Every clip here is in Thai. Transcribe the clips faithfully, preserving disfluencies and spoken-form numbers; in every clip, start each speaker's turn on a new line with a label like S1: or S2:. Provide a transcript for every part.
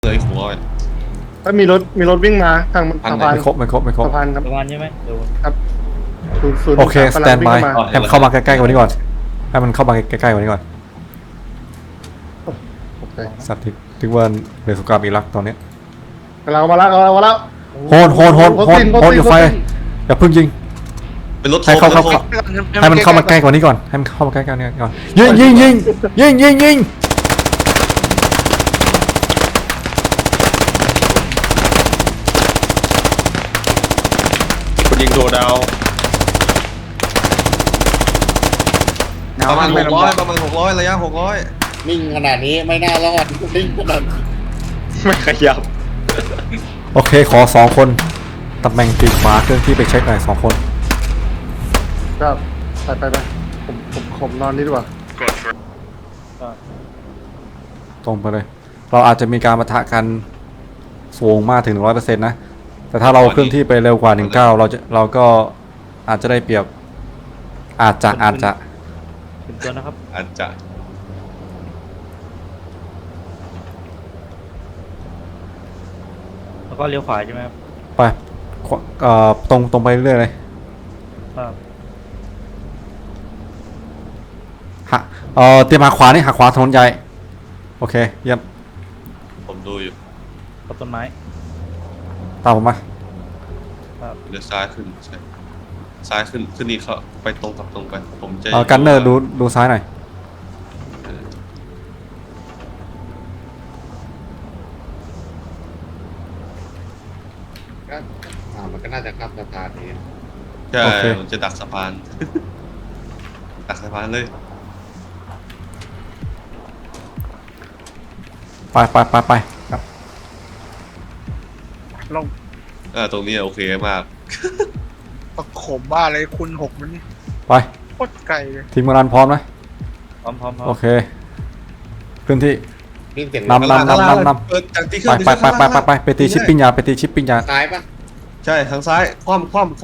S1: เลยหัว
S2: ถ้ามีรถมีรถวิ่งมาทางสะพาน
S3: ไม่ครบไม่ครบไม่ครบ
S2: สะพานครับ
S4: ประมาณใช่ไหมเดี๋ยว
S2: ครับศูนย์ศูนย์
S3: โอเคส
S2: กำ
S3: แต
S2: ลั
S3: น
S2: งวิ่
S3: บาง ย
S2: เข้ามา
S3: ให้มันเข้ามาใกล้ๆกว่านี้ก่อนให้มันเข้ามาใกล้ๆกว่านี้ก่อน
S2: โอเค
S3: สัตว์ที่ถึงว่าเรือสงครามอิรักตอนนี้
S2: กำลังมาแล้วกำลังมาแล้ว
S3: โหนโหนโหนโหนโหนอยู่ไฟอย่าเพิ่งยิง
S1: เป็นรถ
S3: ให้เข้าเข้า
S1: โทร
S3: ให้มันเข้ามาใกล้กว่านี้ก่อนให้มันเข้ามาใกล้ๆกว่านี้ก่อนยิงยิงยิงยิงยิงยิง
S1: คุณยิงโทรดาวประมาณหกร้อยประมาณหกร้อยระยะหกร้อย
S5: นิ่งขนาดนี้ไม่น่ารอดนิ่งขนาดนี้
S1: ไม่ขยับ
S3: โอเคขอสองคนตำแหน่งปีกขวาเครื่องที่ไปเช็คหน่อยสองคน
S2: ครับไปไปไปผมผมผมนอนนี่ดีกว่า
S3: ตรงไปเลย เราอาจจะมีการปะทะกันสูงมากถึงหนึ่งร้อยเปอร์เซ็นต์นะแต่ถ้าเราเคลื่อนที่ไปเร็วกว่าหนึ่งเก้าเราจะเราก็อาจจะได้เปรียบอาจจะอาจจะ
S4: ถึงตัวนะครับ
S1: อาจจะ
S4: แล้วก็เลี้ยวขวาใช่ไหมครับ
S3: ไปขวาเอ่อตรงตรงไปเรื่อยเลย
S4: ครับ
S3: หักเอ่อเตรียมหักขวานี่หักขวาถนนใหญ่โอเคเยี่ยม
S1: ผมดูอยู่
S4: กับต้นไม้
S3: ตามผมมา
S1: เลี้ยวซ้ายขึ้นใช่ซ้ายขึ้นขึ้นนี่เขาไปตรงกับตรงไปผมจะ
S3: เอ่อกันเนอร์ดูดูซ้ายหน่อย
S1: เออ
S5: ก็อ่ามันก็น่าจะข้ามสะพานนี้
S1: ใช่ผมจะดักสะพาน ดักสะพานเลย
S3: ไปไปไปไปครับ
S6: ลง
S1: เออตรงนี้โอเคมาก
S6: ประขมบ้าอะไรคุณหกมันนี่
S3: ไป
S6: โคตรไกลเลย
S3: ทีมงานพร้อมไหม
S4: พร้อมพร้อมพร้อ
S3: โอ
S4: ม
S3: เคพื้นที่
S5: วิ่งเสียง
S3: นำนำนำนำนำ
S1: เปิดจากที่เค
S3: ไป
S1: รื่อง
S3: ไปไปไปไปไปไปตีชิปปิ้งยาไปตีชิปปิ้งยา
S5: ซ้ายปะ
S1: ใช่ทางซ้ายคว่ำคว่ำคว่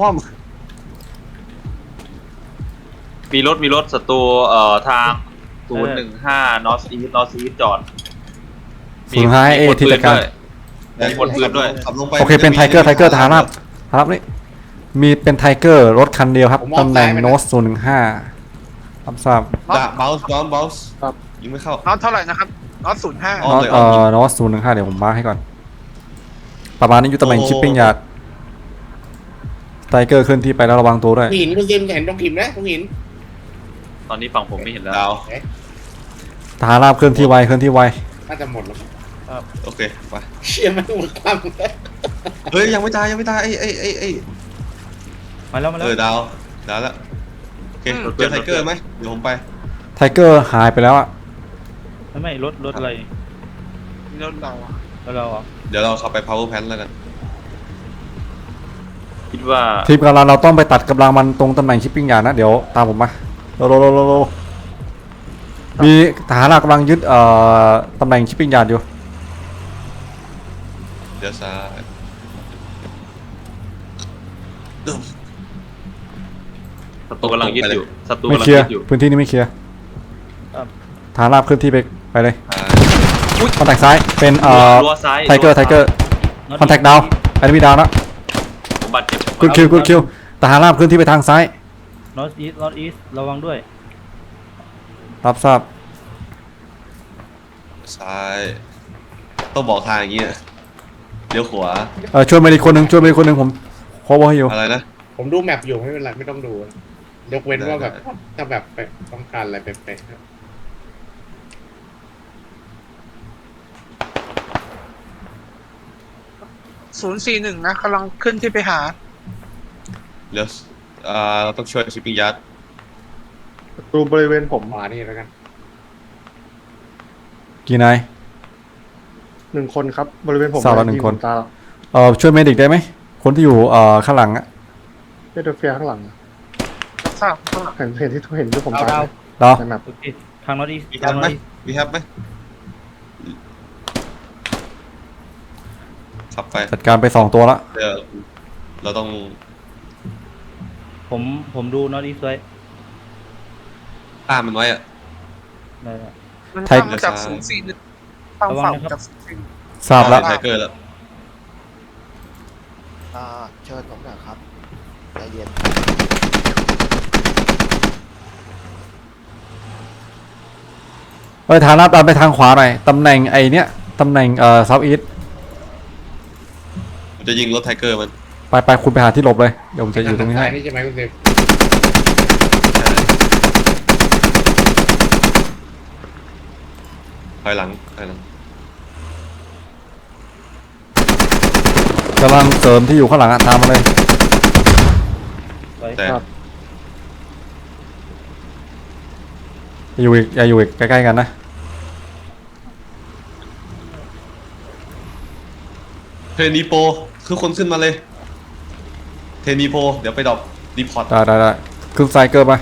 S7: มีรถมีรถศัตรูเอ่อทางศูนย์หนึ่งห้านอร์ทอีสนอร์ทอีสจอด
S3: ศูนย์ห้าเอที่จัดการ
S1: ำ
S7: มีคนปืนด้วย
S1: ขับลงไป
S3: โอเคเป็นไทเกอร์ไทเกอร์ทหารราบทหารราบนี่มีเป็นไทเกอร์รถคันเดียวครับตำแหน่งโนสศูนย์หนึ่งห้ารับทราบ
S1: ด่าเบลส์บอลเบลส์ยิงไม่เข้า
S6: น็อตเท่าไหร่นะครับน็อตศูนย์ห้า
S1: อ๋อ
S3: โนสเอ่อโนสศูนย์หนึ่งห้าเดี๋ยวผมมาร์คให้ก่อน ประมาณนี้อยู่ตำแหน่งชิปปิ้งยาไทเกอร์เคลื่อนที่ไปแล้วระวังตัวด้วย
S5: หินคุณซิมเห็นตรงหินไหมตรงหิน
S7: ตอนนี้ฝั่งผมไม่เห็นแล้ว
S1: ดาว
S5: เอ๊ะ
S3: ทหารราบเคลื่อนที่ไวเคลื่อนที่ไว
S5: น่าจะหมดแล้ว
S1: โอเคไป
S5: เชี่ยไม่หมดความ
S1: เฮ้ยยังไม่ตายยังไม่ตายไอ้ไอ้ไอ้ไอ้
S4: มาแล้วมาแล้
S1: เอ
S4: ว
S1: อดาวดาวแล้วโอเคเจอไทเกอร์ไหมเดี๋ยวผมไป
S3: ไทเกอร์หายไปแล้วอะ
S4: ไม่ไม่รถรถอะไร
S6: นี่รถเราอะ
S4: แล้วเราอ่ะ
S1: เดี๋ยวเราเข้าไป power plant แล้วกัน
S7: คิดว่า
S3: ทีมกำลังเราต้องไปตัดกำลังมันตรงตำแหน่งชิปปิ้งยานะเดี๋ยวตามผมมาโลโลโลโลโลมีทหารราบกำลังยึดเอ่อตำแหน่งชิปปิ้งยาอยู่
S1: เดี๋ยวซ้าย
S7: ศัตรูกำลังยึดอยู่ศัตรู
S3: ไม่
S7: กำลัง
S3: เคลียร์
S7: ยึดอยู่
S3: พื้นที่นี้ไม่เคลียร์ฐานราบเคลื่อนที่ไปไปเลย
S1: ซ้าย
S3: คอนแทคซ้ายเป็นเอ่อ
S7: รั้วซ้าย
S3: ไทเกอร์ไทเกอร์คอนแทคดาวแอนมีดาวนะ
S7: ผมบาดเจ็บ
S3: กุดคิวกุดคิวทหารราบเคลื่อนที่ไปทางซ้าย
S4: นอตอีสนอตอีสระวังด้วย
S3: รับทราบ
S1: ซ้ายต้องบอกทางอย่างเงี้ยเลี้ยวขวา
S3: เออช่วยมาอีกคนหนึ่งช่วยมาอีกคนหนึ่งผมโคเวอร์ให้อยู่
S1: อะไรนะ
S5: ผมดูแมปอยู่ไม่เป็นไรไม่ต้องดู ยกเว้นว่าแบบ
S1: ได้
S5: ถ้าแบบไปต้องการอะไรเป๊ะๆครับ
S6: ศูนย์สี่หนึ่งนะกำลังขึ้นที่ไปหา
S1: เลี้ยวอ่าเราต้องช่วยชิปปิ้งยัด
S2: ดูบริเวณผม
S5: ขวานี่แล้วกัน
S3: กี่นาย
S2: หนึ่งคนครับบริเวณผม
S3: สาวละหนึ่งคน
S2: ตา
S3: เออช่วยเมดิกได้ไหมคนที่อยู่เอ่อข้างหลังอะ
S2: เดเฟียข้างหลัง
S6: ทราบทราบ
S2: เห็นเห็นที่เห็นที่ผม
S5: เอา
S2: ตา
S5: ดาว
S3: ดาว
S2: ในแมป
S4: โอเคทางนอตอีส
S1: มีแฮ
S4: ทาง
S1: ป
S4: นอ
S1: ไหม
S4: ตอีส
S1: มีแฮปไหมขับไป
S3: จัดการไปสองตัวละ
S1: เดี๋ยวเราต้อง
S4: ผมผมดูนอตอีสไว้
S1: ตามมันไว้อะ
S4: ได้แล้ว
S6: มันทำมาจากศูนย์สี่หนึ่งทางฝั่งจากศูนย์สี่
S3: ทราบแล้ว
S1: ไทเกอร์แล้ว
S8: อ่าเชิญผมหน่อยครับใจเย็น
S3: เอ้ยฐานะดันไปทางขวาหน่อยตำแหน่งไอเนี้ยตำแหน่งเอ่อเซาท์อีส
S1: ผมจะยิงรถไทเกอร์มัน
S3: ไปไปคุณไปหาที่หลบเลยเดี๋ยวผมจะอยู่ตรงนี้ให้
S5: ทานี่ใช่ไหมคุณเซฟ
S1: ถอยหลังถอยหลัง
S3: กำลังเสริมที่อยู่ข้างหลังอะตามมาเลย
S4: สวย
S1: แต่
S2: ครับ
S3: อย่าอยู่อีกอย่าอยู่อีกใกล้ๆกันนะ
S1: เทรนีโปคือคนขึ้นมาเลย เทรนีโปเดี๋ยวไปดรอปรีพอร์ต
S3: ได้ได้ได้ขึ้นไซเกิลไป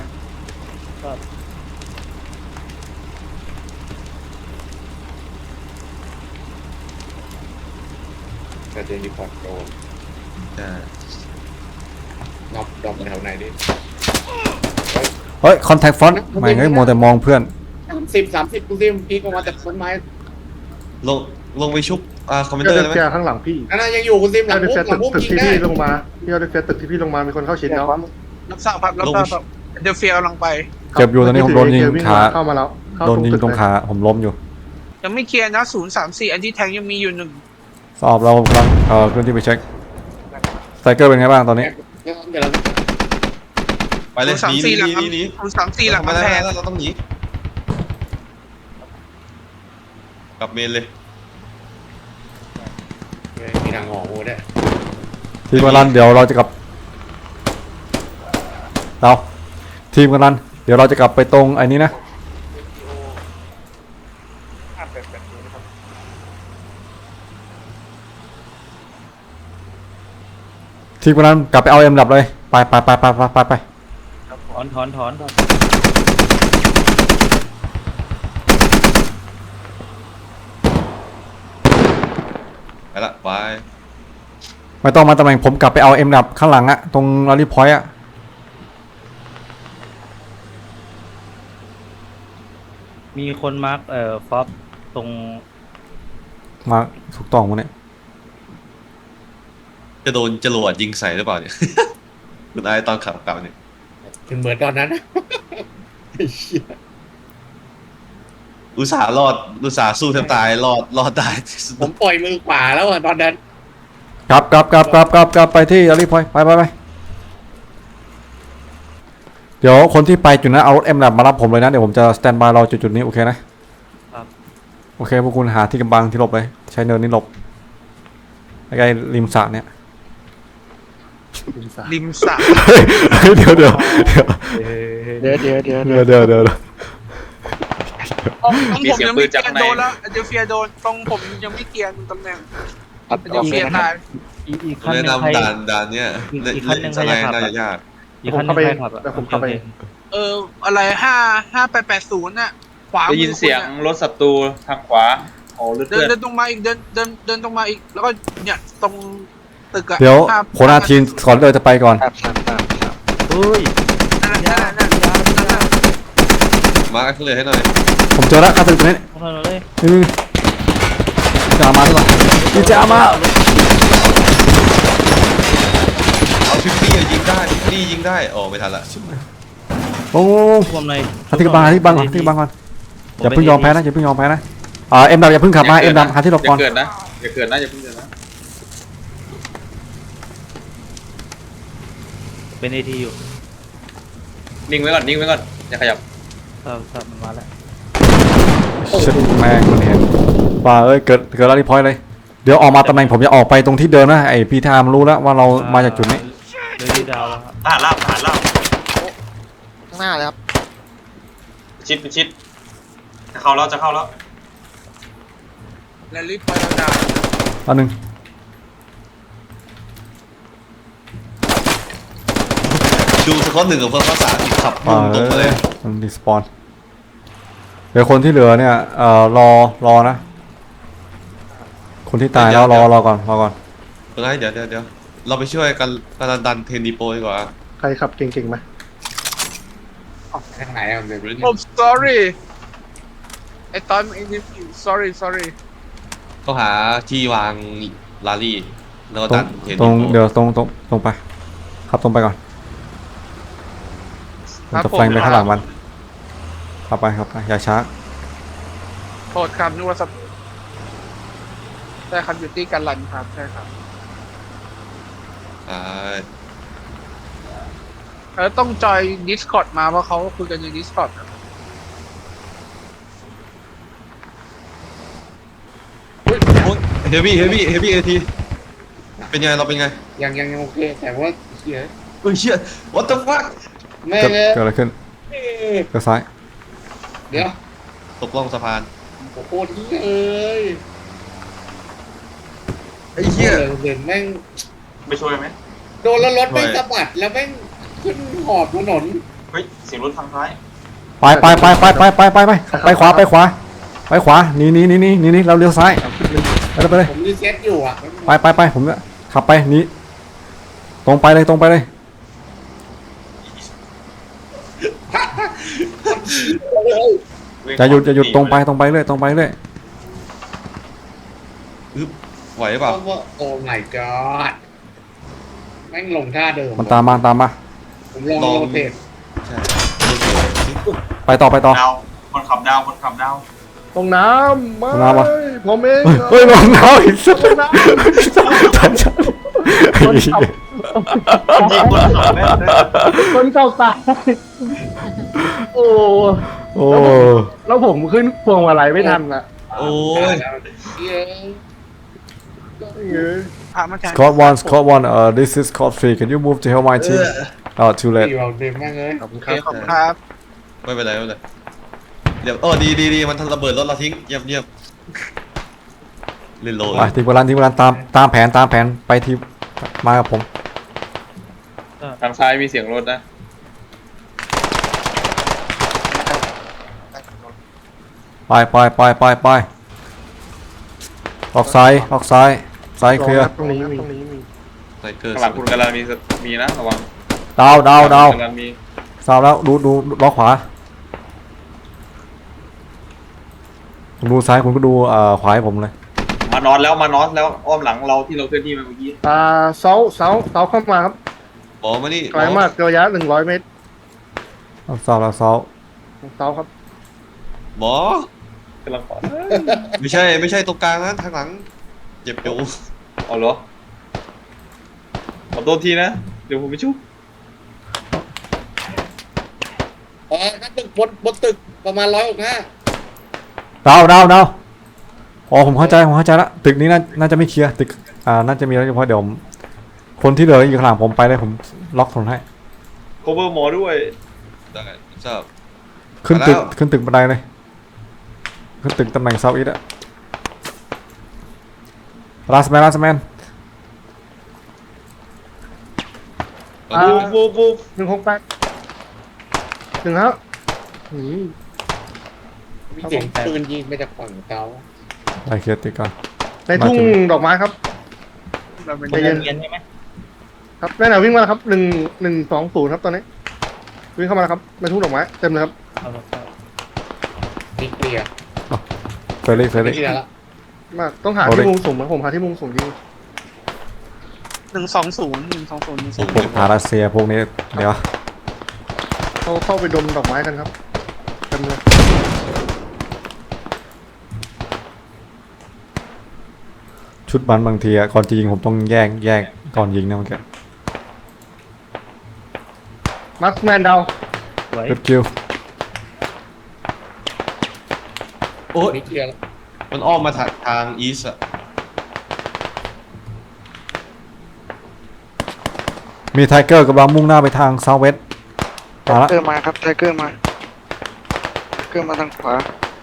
S5: แต่เจนี่พอร์ตโดน
S1: อ่า
S5: น็อกดอมแถวไหนดิ
S3: เฮ้ยคอนแทคฟอนต์ไม่งั้นมัวแต่มองเพื่อน
S5: สามสิบสามสิบคุณเซฟพีกออกมาจากต้นไม้
S1: ลงลงไปชุบอ่าคอมเมน
S2: เจ
S1: เตอ
S2: อ
S1: ร์
S2: เด
S1: ได้ไหม
S2: เฟียข้างหลังพี่
S5: นั่นนะยังอยู่คุณเซฟหลั
S2: เจอง เด
S5: มุก
S2: เฟีย
S5: หลั
S2: ตึ
S5: ง
S2: ก
S5: มุก
S2: ตึก
S5: ยิง
S2: ที่
S5: ได้
S2: พี่ลงมาพี่เดเฟียตึกที่พี่ลงมามีคนเข้าชิดแล้ว
S6: รับทราบครับรับทราบครับเดลเฟียกำลังไป
S3: เจ็บอยู่ตอนนี้ผมโดนยิง
S2: เจอวิ่
S3: ขา
S2: เข้ามาแล้วเข้า
S3: โดนยิง
S2: ตึก
S3: ตรง
S2: เลย
S3: ขาผมล้มอยู่
S6: ยังไม่เคลียร์นะศูนย์สามสี่อันที่แทงยังมีอยู่หนึ่ง
S3: สอบเรากำลังเอ่อเคลื่อนที่ไปเช็คไซเกิลเป็นไงบ้างตอนนี้
S5: เดี๋ยวเรา
S1: ไปเลย
S6: ศูนย์
S1: ห
S6: สาม
S1: นีห
S6: สี่หลัง
S1: นีหนีหนี
S6: ศูนย์สามสี่หลัง
S1: ไม่
S6: กำ
S1: ได้
S6: แพ
S1: ไม่
S6: ง
S1: ได้เราต้องหนีกลับเมนเลย
S5: มีทางออกโอ้ด้วย
S3: ทีมกันรันเดี๋ยวเราจะกลับเราทีมกันรันเดี๋ยวเราจะกลับไปตรงไอ้นี้นะทีมกันรันกลับไปเอาเอ็มดับเลยไปไปไปไปไปไปไป
S4: ถอนถอนถอน
S1: ไปละไป
S3: ไม่ต้องมาตำแหน่งผมกลับไปเอาเอ็มดับข้างหลังอะตรงลารีพอยต์อะ
S4: มีคนมาร์กเอ่อฟอปตรง
S3: มาถูกต้องมั้งเนี่ย
S1: จะโดนจรวดยิงใส่หรือเปล่าเนี่ย คุณไอ้ตอนขับกลับเนี่ย
S5: เหมือนตอนนั้นนะไอ้เหี้ย
S1: อุตส่าห์รอดอุตส่าห์สู้แทบตายรอดรอดได้
S5: ผมปล่อยมือขวาแล้วอะตอนนั้น
S3: กลับกลับกลับกลับกลับกลับไปที่ลารีพอยต์ไปไปไปเดี๋ยวคนที่ไปจุดนั้นเอารถเอ็มดับมารับผมเลยนะเดี๋ยวผมจะสแตนบายรอจุดจุดนี้โอเคนะครับ โอเคพวกคุณหาที่กำบังที่หลบเลยใช้เนินนี้หลบใกล้ๆริมสระเนี่ย
S6: ริมสระ
S3: เฮ้ยเดี๋ยวเดี๋ยวเดี๋ยว
S8: เดี๋ยวเดี๋ยวเดี๋ยว
S3: เดี๋ยวเดี๋ยวเดี๋ยว
S6: ตรงผมยังไม่เคลียร์โดนแล้วเดลเฟียโดนตรงผมยังไม่เคลียร์ตำแหน่ง
S8: ตัด
S6: เด
S8: ออ
S6: ล
S8: ก
S6: เฟี
S8: เลย ยนะค
S6: ตา
S8: รับ
S6: ย
S4: อีกอีกคัน
S1: แนะ
S4: หนึ่งใคร
S1: นำด่านด่านเนี้ย
S4: อีก
S1: เล่น
S4: อีกคันหนึ่ง
S1: สไลด์
S4: ใครจะขับ
S1: น่าจะยาก
S4: อีกคันหนึ่งใครขับอะ
S2: เดี๋ยวผมเข้าไป
S4: โอค
S6: เอออะไรห้าห้าแปดแปดศูนย์น่ะขวา
S7: ได้ยินเสียงรถศัตรูทางขวาโอ้เลือด
S6: เดิน
S7: เลือด
S6: เดินตรงมาอีกเดินเดินเดินตรงมาอีกแล้วก็เนี่ยตรงตึกอะ
S3: เดี๋ยว
S6: ห้า
S3: โคนาทีนก่อนเลยจะไปก่อน
S8: ครับครับครับครับ
S4: เฮ้ย
S6: นั่นน่ะนั่นน่ะนั่นน่ะ
S1: มาร์คเลยให้หน่อย
S3: ผมเจอแล้วข้าศึกตัวนี้
S4: เอาเลย
S3: นี่จามาดีกว่านี่จามา
S1: เอาฟิฟตี้ยิงได้ฟิฟตี้ยิงได้โอ้ไม่ทันละ
S3: โอ้โห
S4: รวมเลย
S3: หาที่กำบังหาที่กำบังก่อนหาที่กำบังก่อนอย่าเพิ่งยอมแพ้นะอย่าเพิ่งยอมแพ้นะอ่าเอ็มดับอย่าเพิ่งขับมาเอ็มดับหาที่หลบก่อน
S7: อย่าเกิดนะอย่าเกิดนะอย่าเพิ่งเกิดนะ
S4: เป็นเอทีอยู่
S7: นิ่งไว้ก่อนนิ่งไว้ก่อนอย่าขยับ
S4: ทราบทราบมันมาแล้ว
S3: ชิบแม่งมันเห็นว่าเอ้ยเกิดเกิดอะไรพอยเลยเดี๋ยวออกมาตำแหน่งผมจะออกไปตรงที่เดิมนะไอพีทามรู้แล้วว่าเรามาจากจุดนี้
S4: เดี๋ยวดีดาวแล้วครับ
S7: ทหารลาบทหารลาบ
S8: ข้างหน้าเลยครับ
S7: ชิดชิดจะเข้าแล้วจะเข้าแล้ว
S6: แล้วรีบไปแล้วดาว
S3: อันหนึ่ง
S1: ดูสกอตหนึ่งกับเพิ่มภาษาที่ขับ
S3: อ่า
S1: มุ่งตรงมาเลย
S3: มันดีสปอนเดี๋ยวคนที่เหลือเนี่ยเอ่อรอรอนะ คนที่ตายแล้วรอรอก่อนรอก่อน
S1: เดี๋ยวเดี๋ยวเดี๋ยวเดี๋ยวเราไปช่วยกันกันดันเทนดีโปดีกว่า
S2: ใครขับเก่งๆไหม
S5: ทางไหนอะมันเป็น
S6: ผม sorry ไอ้ตอนไอ้นี่ sorry sorry
S1: เขาหาที่วางลารี่แล้วก็
S3: ตร
S1: ดั
S3: ง
S1: นเทน
S3: ตรง
S1: โก้
S3: เดี๋ยวตรงตรงตรงไปขับตรงไปก่อนผมจะแฟงไปข้างหลังมันขับไปขับไปอย่าช้า
S6: โทษครับนึกว่าสใช่ครับอยู่ที่การลันครับใช่ครับ
S1: อ่า
S6: เออต้องจอย Discord มาเพราะเขาคุยกันใน Discord ครับ
S1: เฮฟวี่เฮฟวี่เฮฟวี่เอทีเป็นไงเราเป็นไง
S5: ยังยังยังโอเค แต่ว่าเฮีย
S1: เฮ้ยเชี่ย what the fuck
S5: แม่
S3: เกิด
S5: เลย
S3: เกิดอะไรขึ้นเกิดซ้าย
S5: เดี๋ยว
S1: ตกล่องสะพาน
S5: โอ้โหเฮียเอ้ย
S1: ไอ้เหี้ย
S5: เดินแม่ง
S7: ไปช่วยไหม
S5: โดนแล้วรถแม่ง
S1: ช่วย
S5: สะบัดแล้วแม่งขึ้นหอบถนน
S7: เฮ้ยเสียงรถทางซ้าย
S3: ไปไปไปไปไปไปไปไปไปขวาไปขวาไปขวาหนีหนีหนีหนีหนีหนีเราเลี้ยวซ้ายไปเลยไปเลย
S5: ผมรีเซ็ตอยู่อ่ะ
S3: ไปไปไปผมจะขับไปหนีตรงไปเลยตรงไปเลยจะหยุดจะหยุดตรงไปตรงไปเลยตรงไปเลย
S1: อึ๊บไหวเปล่า
S5: ว่าโอ้ my god แม่งลงท่าเดิม
S3: มันตามมาตามมา
S5: ผมลอง
S1: ลอง
S5: โรเตท
S1: ใช่
S3: ไปต่อไปต่อ
S7: ดาวคนขับดาวคนขับดาว
S2: ตรงน้ำไม่
S3: ตรงน้ำวะ
S2: ผมเอง
S3: เฮ้ยลงน้ำอีกสัก
S2: ตรงน้ำ
S3: ทันชัน
S2: คนขับ
S7: ยิงคนขับแม่งเลย
S2: คนขับตายโอ้
S3: โอ้
S2: แล้วผมขึ้นพวงมาลัยไม่ทันอ่ะ
S1: โอ้ย
S5: เฮีย
S2: เอ้ย
S6: พระมาจาก
S3: Scott one Scott one uh this is Scott three can you move to help my team oh too
S5: ตี
S3: late
S5: เราเดินแม่งเลย
S2: ขอบคุณค
S6: โอ
S2: รั
S6: เค
S2: บ
S6: ขอบคุณครับ
S1: ไม่เป็นไรไม่เป็นไรเดี๋ยวเออดีดีดีมันระเบิดรถเราทิ้งเยี่ยมเยี่ยมเล่นโล
S3: ไปทีมโบราณทีมโบราณตามตามแผนตามแผนไปทีมมากับผม
S7: ทางซ้ายมีเสียงรถนะ
S3: ไปไปไปไปไปออกซ้ายออกซ้ายซ้ายเคลียร์
S2: ตรงนี้มีตรงนี้มี
S1: ไซเกอร์
S7: ข้างหลังคุณกำลังมีมีนะระวัง
S3: ดาวดาวดาว
S7: กำลังมี
S3: สาวแล้วดูดูล้อขวาผมดูซ้ายคุณก็ดูเอ่อขวาให้ผมเลย
S7: มานอนแล้วมานอนแล้วอ้อมหลังเราที่เราเคลื่อนที่มาเมื่อกี้
S2: อ่าเสาเสาเสาเข้ามาครับ
S1: หมอมานี่
S2: ไกลมากระยะหนึ่งร้อยเมตร
S3: เอาสาวแล้วสาว
S2: เสาครับ
S1: หมอก
S7: ำลังขอ
S1: ไม่ใช่ไม่ใช่ตรงกลางนะทางหลังเจ็บอยู่
S7: เอาเหรอขอโทษทีนะเดี๋ยวผมไปชุบ
S5: อ๋อนั่นตึกบนบนตึกประมาณร้อยหกห้า
S3: ดาวดาวดาวอ๋อผมเข้าใจผมเข้าใจละตึกนี้น่าน่าจะไม่เคลียร์ตึกอ่าน่าจะมีแล้วเฉพาะเดี๋ยวผมคนที่เหลืออยู่ข้างหลังผมไปเลยผมล็อกถนนให้
S7: โคเวอร์หมอด้วย
S1: ได้ทราบ
S3: ขึ้นตึก
S1: มาแล้ว
S3: ขึ้นตึกบันไดเลยขึ้นตึกตำแหน่งเซาท์อีสต์อะลาสแมนลาสแมน
S2: อ่า
S7: บูบบูบ
S2: หนึ่งหกแปดถึงแล้วอืม
S5: มีเสียงปืนยิงมาจากฝั่งเขา
S3: ไปเคลียร์ตึกก่อน
S2: ในทุ่ง
S3: มาถึง
S2: ดอกไม้ครับ
S6: เราเป็น
S2: ใจเย็น
S4: เย็นใช่ไหม
S2: ครับแม่หนาวิ่งมาแล้วครับหนึ่งหนึ่งสองศูนย์ครับตอนนี้ วิ่งเข้ามาแล้วครับในทุ่งดอกไม้เต็มเลยครับ
S4: เอาละครับ
S5: ตีเกลียร์
S3: เฟรลี่เฟร
S5: ตี
S3: ลี่
S5: เกลียร์ละ
S2: มากต้องหา
S3: โอเล็
S2: ที่
S3: ก
S2: มุมสูงนะผมหาที่มุมสูงยิง
S6: หนึ่งสองศูนย์หนึ่งสองศูนย์หนึ่งส
S1: สู
S6: อง
S1: ง
S3: พวกพาราเซียพวกนี้เดี๋ยว
S2: เขาเข้าไปดมดอกไม้กันครับเต็มเลย
S3: ชุดบันบางทีอะก่อนจะยิงผมต้องแยกแยกก่อนยิงนะมันก็
S2: มาร์คแมนดาว
S4: สวย
S3: เก็บคิว
S1: โอ้ย
S5: ตีเกลียร์ละ
S1: มันอ้อมมาทางทางอีสอะ
S3: มีไทเกอร์กำลังมุ่งหน้าไปทางเซาท์เวสต์มาละ
S8: เกอร์มาครับไทเกอร์มาไทเกอร์มาทางขวา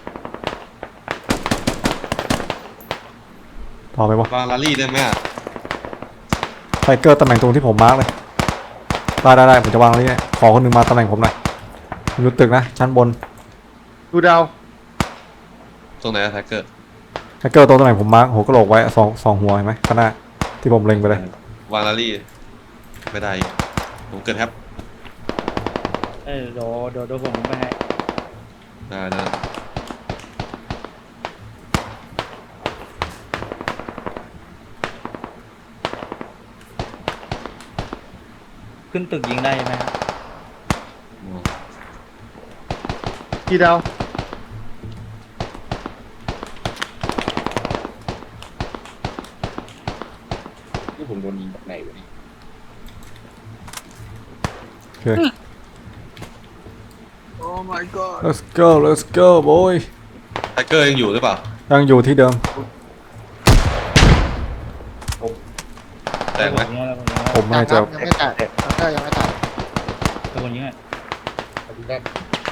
S3: ต่อไปวะ
S1: วางลารี่ได้ไหมอะ
S3: ไทเกอร์ตำแหน่งตรงที่ผมมาร์กเลยได้ได้ได้ผมจะวางตรงนี้ให้ขอคนหนึงมาตำแหน่งผมหน่อยอยู่ตึกนะชั้นบน
S2: ดูดาว
S1: ตรงไหนอะแท็กเกอร์
S3: ไทเกอร์ตรงตำแหน่งผมมาร์กหัวกระโหลกไว้สองสองหัวเห็นไหมข้างหน้าที่ผมเล็งไปเลยว
S1: างลารี่ไม่ได้อีกผมเกิดแฮป
S4: เออเดี๋ยวเดี๋ยวเดี๋ยวผมไปให้
S1: ได้ได้
S4: ขึ้นตึกยิงได้ใช่ไหมครับ
S2: กี่ดาว
S5: ที่ผมโดนยิงจากไหนวะเนี่ย
S3: โอเค
S6: โอ้ my god
S3: let's go let's go boy
S1: ไทเกอร์ยังอยู่หรือเปล่า
S3: ยังอยู่ที่เดิม
S1: แตกไหม
S4: ยิงแล้วคนยิงแล้ว
S3: ผมไม่จะ
S8: ยังไม่แตกแล้วก็ยังไม่แตก
S4: คนยิงอ่ะ
S5: ขอบคุณครับ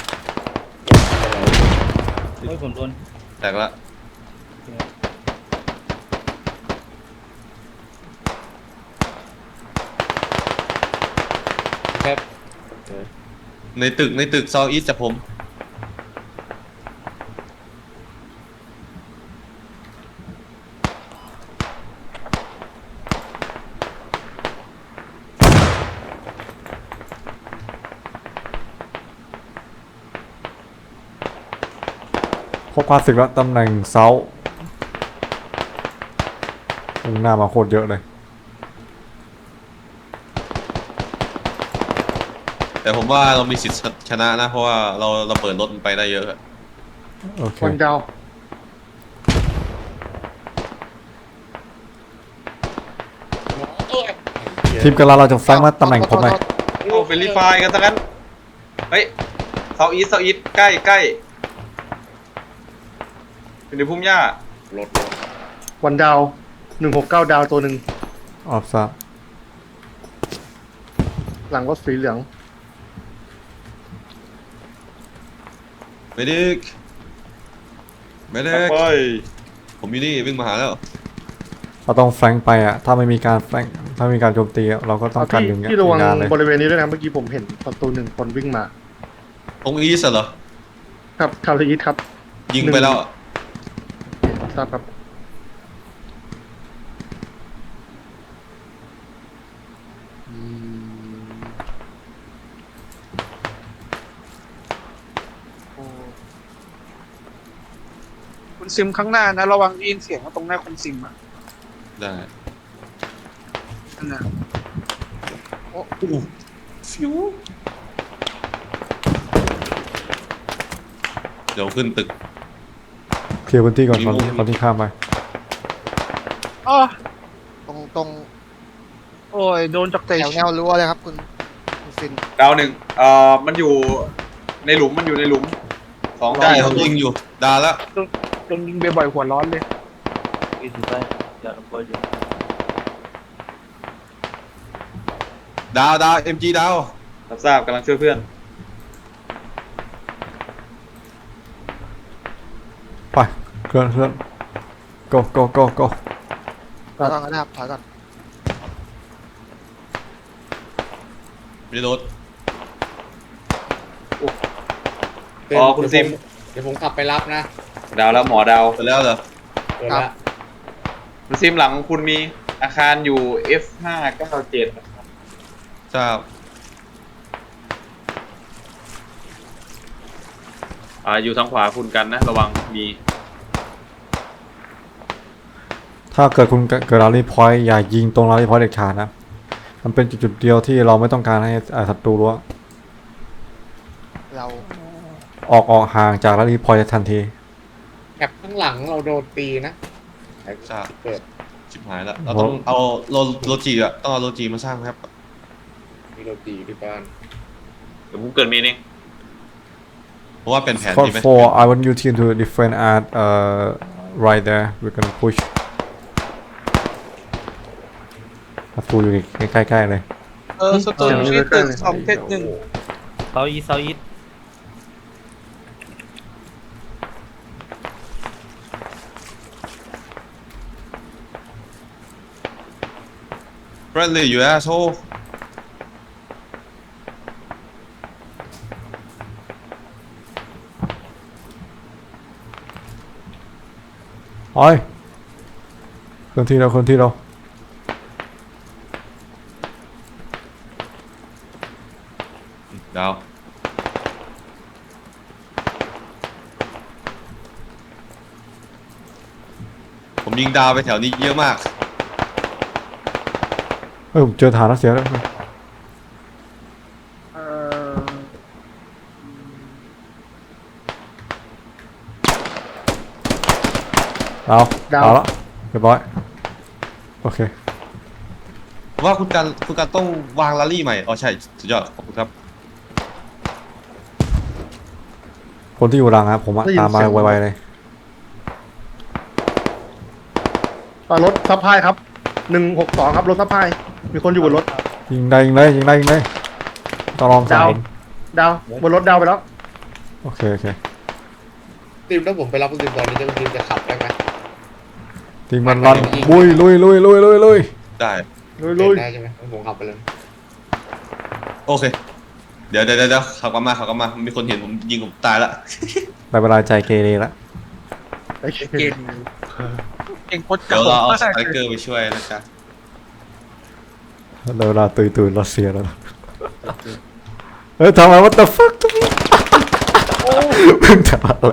S4: เฮ้ยผมโดน
S1: แตกละ
S5: ครับ
S1: ในตึกในตึกซออีสจากผม
S3: พบความสึกแล้วตำแหน่งเซามุ่งหน้ามาโคตรเยอะเลย
S1: แต่ผมว่าเรามีสิทธิ์ชนะนะ เพราะว่าเราเราเปิดรถมันไปได้เยอะ
S3: โอเค
S2: วันดาว
S3: ทีมกำลังเราจะแฟงมาตำแหน่งผมหน่อย
S7: โอ้เฟรนลี่ไฟร์กันซะงั้นเฮ้ยเซาอีสเซาอีสใกล้ใกล้อยู่ในพุ่มหญ้าร
S5: ถรถ
S2: วันดาวหนึ่งหกเก้าดาวตัวหนึ่ง
S3: ออฟซับ
S2: หลังรถสีเหลือง
S1: ไม่ดึกไม่ดึก
S7: ไป
S1: ผมอยู่นี่วิ่งมาหาแล้ว
S3: เราต้องแฟงไปอ่ะ ถ้าไม่มีการแฟงถ้าไม่มีการโจมตีอะเราก็ต้องการ
S2: ที่
S3: ดึง
S2: ที่ระวัง
S3: งานเลย
S2: บริเวณนี้ด้วยนะเมื่อกี้ผมเห็นประตูหนึ่งคนวิ่งมา
S1: ตรงอีสเหรอ
S2: ครับคาร์ลีครับ
S1: ยิงไปแล้ว
S2: ทราบครับ
S6: คุณซิมข้างหน้านะระวังได้ยินเสียงว่าตรงหน้าคุณซิมอ่ะ
S1: ได้
S6: นั่นนะ
S1: เดี๋ยวขึ้นตึก
S3: เคลียร์พื้นที่ก่อน
S1: มี
S3: ตอน
S1: มุม
S3: ที่ตอนที่ข้ามไป
S6: อ๋อ
S8: ตรงตรง
S6: โอ้ยโดนจากเตะ
S8: แถวแนวรั้วเลยครับคุณคุณซิน
S7: ดาวหนึ่งเอ่อมันอยู่ในหลุมมันอยู่ในหลุมสอง
S1: ได้
S7: ดาว
S1: ผมยิงอยู่ดาแล้ว
S6: โดนยิงบ่อยๆหัวร้อนเลย
S4: อีสุดท้ายอย่าระเบิดอยู่
S1: ดาวดาวเอ็มจีดาว
S7: รับทราบกำลังช่วยเพื่อน
S3: ไปเคลื่อนเคลื่อน go go go go
S8: ถอยก่อนก็ได้ครับถอยก่อน
S1: ไม่ได้รถ
S7: อ๋อคุณซิม
S5: เดี๋ยวผมขับไปรับนะ
S7: ดาวแล้วหมอดาว
S1: ไปแล้วเหรอ
S5: เปิดละ
S7: คุณซิมหลังของคุณมีอาคารอยู่ เอฟ ห้าเก้าเจ็ด
S1: ทราบ
S7: อ่าอยู่ทางขวาคุณกันนะ ระวังมี
S3: ถ้าเกิดคุณเกิดราลีพอยต์อย่ายิงตรงราลีพอยต์เด็ดขาดนะ มันเป็นจุดๆเดียวที่เราไม่ต้องการให้อ่าศัตรูรู้ว่า
S8: เรา
S3: ออกออกห่างจากราลีพอยต์ทันที
S5: แคปข้างหลังเราโดนตีนะ
S1: ทราบ
S5: เปิด
S1: ชิบหายแล้วเราต้องเอาโลโลจีอะต้องเอาโลจีมาสร้างครับ
S5: มีโดนตีที่บ้าน
S7: เดี๋ยวผมเกิดมีเอง
S1: เพราะว่าเป็นแผน
S3: for
S1: ดีไหม
S3: for I want you team to defend at uh right there we're gonna push ศัตรูอยู่ใกล้ๆเลย
S6: เออสตูนที่ตึกสองเจ็ดหนึ่ง
S4: เซาอีเซาอี
S1: friendly you asshole
S3: โอ้ยเคลื่อนที่เราเคลื่อนที่เรา
S1: ดาวผมยิงดาวไปแถวนี้เยอะมาก
S3: เฮ้ยผมเจอฐานรัสเซียแล้วเอา
S2: ดาว
S3: เอาละเรียบร้อยโอเค
S1: ว่าคุณการคุณการต้องวางลารี่ใหม่อ๋อใช่สุดยอดขอบคุณครับ
S3: คนที่อยู่หลังครับผมอะ
S2: ได้ยิน
S3: ตามมา
S2: เสียง
S3: ไวๆเลย
S2: อ่ารถซัพพลายครับหนึ่งหกสองครับรถซัพพลายมีคนอยู่บนรถ
S3: ยิงได้ยิงได้ยิงได้ยิงได้ต้องลองสา
S2: ดาว
S3: ม
S2: ดาวบนรถดาวไปแล้ว
S3: โอเคโอเค
S5: ทีมถ้าผมไปรับคุณทีมตอนนี้จะคุณทีมจะขับได้ไหม
S3: ทีมมันรันลุยลุยลุยลุยลุยลุย
S1: ได้
S2: ลุยลุย
S5: ได้ใช่ไหมผมขับไปเลย
S1: โอเค เดี๋ยวเดี๋ยวเดี๋ยวขับกลับมาขับกลับมามีคนเห็นผมยิงผมตายละ
S3: ได้เวลาใจเกเรละ
S2: ไอ้เหี้ย
S6: เก่งเก่งโคตร
S1: เดี๋ยวเราเอาส
S6: เก่ง
S1: ไตรเกอร์ไปช่วยนะจ๊ะ
S3: ได้เวลาตื่นตื่นรัสเซียแล้วนะเฮ้ยทำไม what the fuck ทุกคนเพิ่งทำอะไร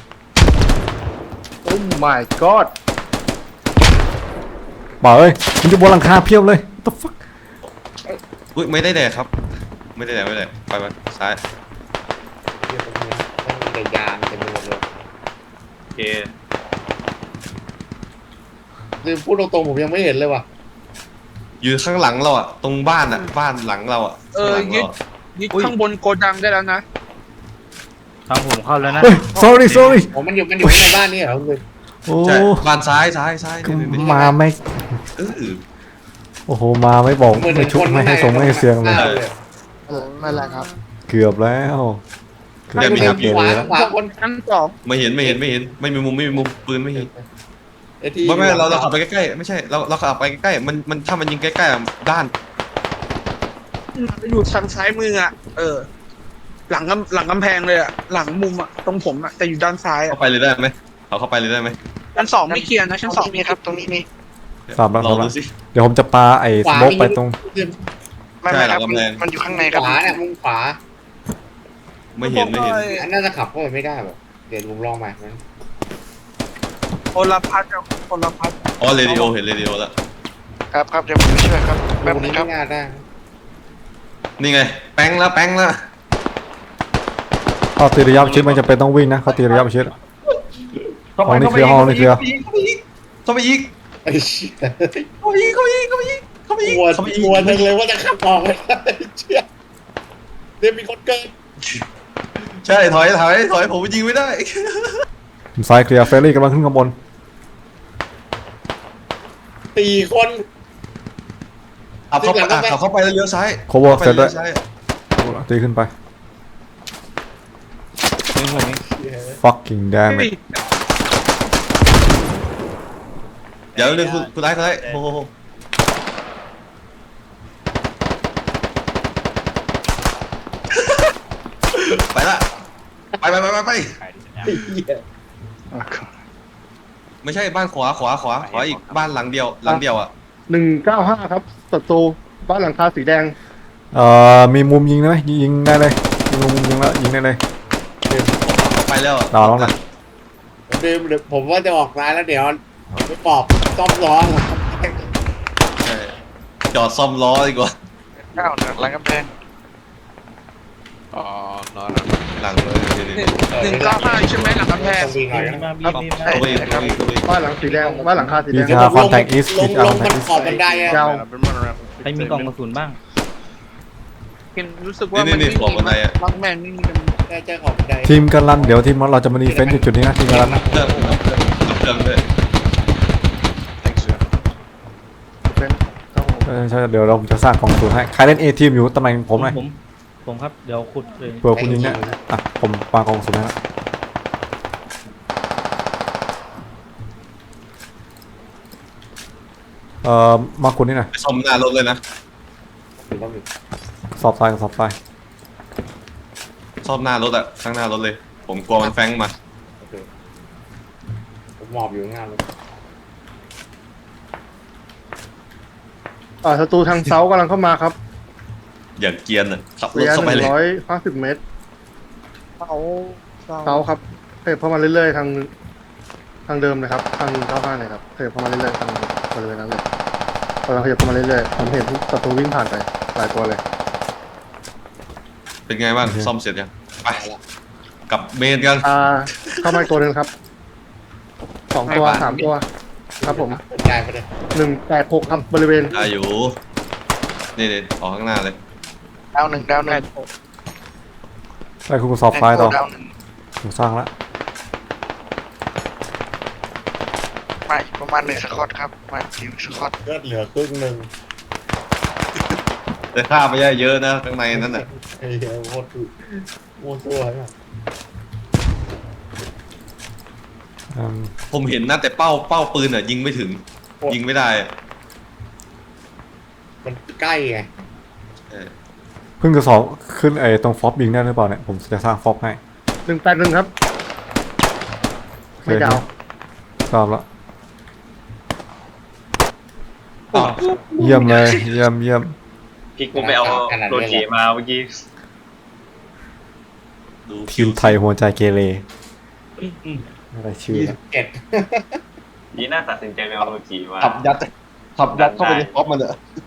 S2: โอ้ my god
S3: บอกเอ้ยมันจะบนหลังคาเพียบเลย what the fuck
S1: อุ้ยไม่ได้แดกครับ ไม่ได้แดกไม่ได้แดกไปไปซ้าย
S5: เดี๋ยวตรงนี้ต้องมีแต่ยางเต็มไปหมดเลย
S7: โอเค
S5: คือพูดตรงๆผมยังไม่เห็นเลยว่ะ
S1: อยู่ข้างหลังเราอ่ะตรงบ้านอ่ะบ้านหลังเราอ่ะ
S6: เออ
S1: ข้างหลัง
S6: ยึด
S1: เราอะ
S6: ยึดข้างบนโกดังได้แล้วนะ
S4: ทางผมเข้าแล้วนะ
S3: เฮ้ย sorry sorry
S5: ผมมันอยู่มันอยู่ในบ้านนี่เหรอคุณ
S3: โอ้
S1: ใช่บ้านซ้ายซ้ายซ้าย
S3: ก็
S1: นี่นี่นี่
S3: มาไม่
S1: เออ
S3: โอ้โหมาไม่บอกไม่ชุบไม่ให้ส่งไม่ให้เสียงเลย
S8: ไม่แหละครับ
S3: เกือบแล้วเกือบ
S1: เดี๋ยวมี
S3: เกื
S1: ค
S3: อ
S1: รั
S3: บบ เกเรแล้ว
S5: ขวา
S6: ข้างบนชั้นสอง
S1: ไม่เห็นไม่เห็นไม่เห็นไม่มีมุมไม่มีมุมปืนไม่เห็น
S5: ไอ้ที่
S1: ไม่ไม่เราเราขับไปใกล้ๆไม่ใช่เราเราขับไปใกล้ๆมันมันถ้ามันยิงใกล้ๆอะด้าน
S6: อยู่ทางซ้ายมืออ่ะ เออ หลังกำหลังกำแพงเลยอ่ะ หลังมุมอ่ะ ตรงผมอ่ะ แต่อยู่ด้านซ้ายอ่ะ
S1: เข้าไปเลยได้ไหมเขาเข้าไปเลยได้ไหม
S6: ชั้นสองไม่เคลียร์นะ ชั้น
S8: ต
S6: ส
S8: ร
S6: อง
S8: งนี้มีครับ ตรงนี้มี
S3: สามแล้ว
S1: ลอง
S3: สามแล้
S1: ดู
S3: ว
S1: สิ
S3: เดี๋ยวผมจะปาไอ้สโมกไปตรง
S8: ไม่
S1: ใช่
S8: ไม่
S1: หลั
S8: ค
S1: ง
S8: รับ
S1: กำแพง
S8: มันอยู่ข้างใน
S5: ข
S8: ครับ
S5: วาเนี่ยมุมขวา
S1: ไม่เห็นไม่เห็น
S5: อันน่าจะขับเข้าไปไม่ได้แบบเดี๋ยวผมลองใหม่นั้น
S6: โอลพัทกับโอลพัท
S1: อ๋อเรดิโอเห็นเรดิโอแล้ว
S8: ครับครับเดี๋ยวผมไปช่วยครับแป๊บ
S5: มุม
S8: นึ
S5: นี้
S8: งครั
S5: ไม่
S8: บ
S5: น่าได้
S1: นี่ไงแป้งแล้วแป้งแล้ว
S3: เขาตีระยะประชิดมันจะเป็นต้องวิ่งนะเขาตีระยะประชิด ห้องนี้เคลียร์ห้องนี้เคลียร์
S1: เข้าไปอีก
S5: ไอ้เชี่ย
S1: เข้าไปอีกเข้าไปอีกเข้าไปอีกเข้าไปอีก
S5: กลัว
S1: เข้าไปอีก
S5: กลัวจังเลยว่าจะขับออกไม่ได้เชี่ยเดี๋ยวมีคนเกิน
S1: ใช่ถอยถอยถอยผมยิงไม่ได้
S3: ซ้ายเคลียร์เฟรรี่กำลังขึ้นข้างบน
S5: สี่คน
S1: ขับเข้าไปอ่ะขับเข้าไปแล้วเลี้ยวซ้าย
S3: cover เสร็จ
S1: แล้
S3: แล้ว ว
S1: ซ้าย
S3: ตีขึ้นไป
S4: นี่ผมนี่
S3: fucking damn it
S1: เดี๋ยวนึงคุณคุณไอ้คุณไอ้โอ้โหไปละไปไปไปไปไปไม่ใช่บ้านขวาขวาขวาขวาอีกบ้านหลังเดียวหลังเดียวอ่ะ
S2: หนึ่งเก้าห้าครับศัตรูบ้านหลังคาสีแดง
S3: เอ่อมีมุมยิงได้ไหมยิงได้เลยมีมุมยิงแล้วยิงได้เลย
S1: ไปแล้ว
S3: ดาวแล้วนะ
S5: เดี๋ยวเดี๋ยวผมว่าจะออกร้านแล้วเดี๋ยวไปปอบซ่อมล้อ
S1: ใช่จอดซ่อมล้อดีกว่า
S8: เก้าหลังกำแพง
S6: อ๋อนอน
S1: หลังเลยเดี๋ยว
S6: ห
S1: เดี๋
S6: นึ่
S1: ยว
S6: งหนึ่งเก้าห้าใช่ไหมหลังกำแพง
S5: ต้องวิ่งหน่อย
S4: บี
S5: นะ
S4: มาบีบีมา
S1: เข้าไปอีกเข้าไปอีกเข้าไปอีก
S2: บ้านหลังสีแดงบ้านหลังคาสีแด
S3: อี
S2: ง
S3: กาคอนแทคอีส
S5: ล
S3: อี
S5: ง
S3: กา
S5: ล
S3: คอง นแท
S5: มั
S3: คน อีส
S5: ขอบบันไดอะ
S2: ยาว
S4: ใครมีกล่องกระสุนบ้าง
S6: เห็นรู้สึกว่ามันไม่มีล็อกแมนไม่มีกัน
S5: ได้เจอขอบบันได
S3: ทีมกันรันเดี๋ยวทีมเราจะมาดีเฟนต์จุดๆนี้นะทีมกันรันนะ
S1: เครื่องเครื่องเครื่องด้วย
S2: เป็นครับผม
S3: เออใช่เดี๋ยวเราจะสร้างกองทุนให้ใครเล่น A ทีมอยู่ตำแหน่งผมหน่อย
S4: ผมผมครับเดี๋ยวขุดเลย
S3: เผื่อคุณยิงเนี่ยอ่ะผมวางกองทุนให้แล้วเอ่อมาคุณนี่หน่อย
S1: ไปซ่อมหน้ารถเลยนะ
S3: สอบทรายกับสอบทราย
S1: ซ่อมหน้ารถอะข้างหน้ารถเลย ผมกลัวมันแฟงมา
S5: โอเคผมหมอบอยู่ข้างหน้าเลย
S2: อ่าศัตรูทางเซากำลังเข้ามาครับ
S1: อย่างเกรียนอะขับร
S2: ระ
S1: ถ
S2: ยะ
S1: เข้า
S2: ห
S1: ไป
S2: นึ่
S1: เล
S2: ง
S1: ย
S2: ร้อยห้าสิบเมตร
S6: เสาเสา
S2: เซาครับขยับเข้ามาเรื่อยๆทางทางเดิมเลยครับทางเก้าห้าเลยครับขยับเข้ามาเรื่อยๆทางบริเวณนั้นเลยกำลังขยับเข้ามาเรื่อยๆผมเห็นศัตรูวิ่งผ่านไปหลายตัวเลย
S1: เป็นไงบ้างซ่อมเสร็จยังไปกลับเมนกัน
S2: อ่าเข้ามาอีกตัวหนึ่งครับ ขสองตัวสามตัว ครับผม
S5: เป็นใจไปเลย
S2: หนึ่งแปดหกครับบริเวณ
S1: ได้อยู่นี่เด็ดออกข้างหน้าเลย
S8: ดาวหนึ่งดาวหนึ่ง
S3: ได้คุณสอบไฟต่อ
S8: ดาวหนึ่ง
S3: ผมสร้างละ
S8: มาอีกประมาณหนึ่งสกอตครับมาอีกหนึ่งสกอต
S5: เลือดเหลือครึ่งหนึ่ง
S1: แต่ฆ่าไปได้เยอะนะข้างในนั้นน่ะ
S5: ไอ้เหี้ยโคตรโคตรตัวเนี่ย
S3: อืม
S1: ผมเห็นนะแต่เป้าเป้าปืนอ่ะยิงไม่ถึง ยิงไม่ได้อะ
S5: มันใกล้ไง
S1: เออ
S3: เพิ่งจะสอบขึ้นไอ้ตรงฟอปยิงได้หรือเปล่าเนี่ยผมจะสร้างฟอปให้
S2: หนึ่งแปดหนึ่งครับ ไม่ดาว
S3: ชอบละ
S1: อ้าว
S3: เยี่ยมเลยเยี่ยมเยี่ยม
S7: พี่กูไปเอาโรจิมาเมื่อกี้
S1: ดู
S3: ทีมไทยหัวใจเกเรอะไรชื่อ
S5: ยี่
S3: ละ
S5: สิบเจ็ด
S7: ดีน่าตัดสินใจไปเอาโรจิมา
S1: ขับยัดขับยัดเข้าไปในป๊อปมันเถอะ